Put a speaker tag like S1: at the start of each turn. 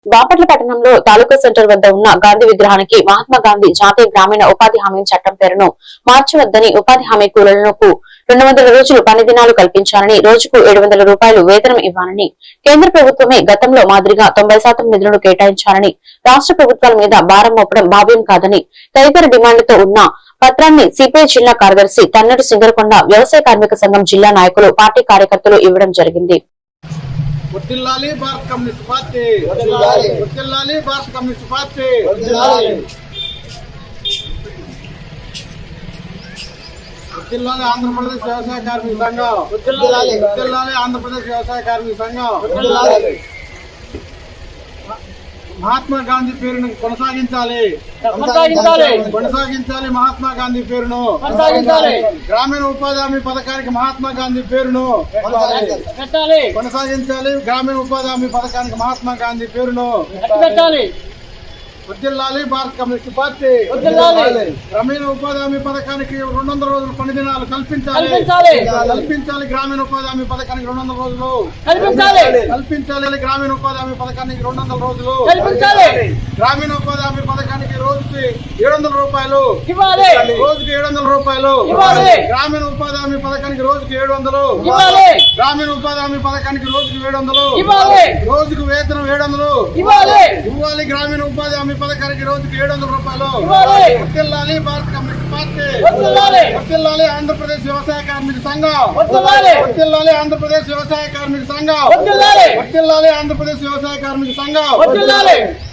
S1: బాపట్ల పట్టణంలో తాలూకా సెంటర్ వద్ద ఉన్న గాంధీ విగ్రహానికి మహాత్మా గాంధీ జాతీయ గ్రామీణ ఉపాధి హామీ చట్టం పేరును మార్చవద్దని ఉపాధి హామీ కూలీలకు 200 రోజులు పని దినాలు కల్పించాలని, రోజుకు 700 రూపాయలు వేతనం ఇవ్వాలని, కేంద్ర ప్రభుత్వమే గతంలో మాదిరిగా 90% నిధులను కేటాయించాలని, రాష్ట్ర ప్రభుత్వాల మీద భారం మోపడం భావ్యం కాదని తదితర డిమాండ్లతో ఉన్న పత్రాన్ని సిపిఐ జిల్లా కార్యదర్శి తన్నడు సింగరకొండ వ్యవసాయ కార్మిక సంఘం జిల్లా నాయకులు, పార్టీ కార్యకర్తలు ఇవ్వడం జరిగింది.
S2: వర్ధిల్లాలి భారత కమ్యూనిస్ట్ పార్టీ, వర్ధిల్లాలి భారత కమ్యూనిస్ట్ పార్టీ, వర్ధిల్లాలి ఆంధ్రప్రదేశ్ వ్యవసాయ కార్మిక సంఘం, వర్ధిల్లాలి ఆంధ్రప్రదేశ్ వ్యవసాయ కార్మిక సంఘం. మహాత్మా గాంధీ పేరును కొనసాగించాలి, మహాత్మా గాంధీ పేరును గ్రామీణ ఉపాధి హామీ పథకానికి మహాత్మా గాంధీ పేరును కొనసాగించాలి, గ్రామీణ ఉపాధి హామీ పథకానికి మహాత్మా గాంధీ పేరును వర్ధిల్లాలి భారత కమ్యూనిస్ట్ పార్టీ, గ్రామీణ ఉపాధి హామీ పథకానికి 200 రోజులు పని దినాలు కల్పించాలి, గ్రామీణ ఉపాధి హామీ పథకానికి 200 రోజులు కల్పించాలి, గ్రామీణ ఉపాధి హామీ పథకానికి 200 రోజులు, గ్రామీణ ఉపాధి హామీ పథకానికి రోజుకి 700 రూపాయలు, రోజుకి 700 రూపాయలు, గ్రామీణ ఉపాధి హామీ పథకానికి రోజుకి 700, గ్రామీణ ఉపాధి హామీ పథకానికి రోజుకి 700, రోజుకు వేతనం 700 ఇవ్వాలి, గ్రామీణ ఉపాధి హామీ పథకానికి రోజుకి 700 రూపాయలు. వర్ధిల్లాలి భారత కమ్యూనిస్ట్ పార్టీ, వర్ధిల్లాలి ఆంధ్రప్రదేశ్ వ్యవసాయ కార్మిక సంఘం, వర్ధిల్లాలి ఆంధ్రప్రదేశ్ వ్యవసాయ కార్మిక సంఘం, వర్ధిల్లాలి ఆంధ్రప్రదేశ్ వ్యవసాయ కార్మిక సంఘం.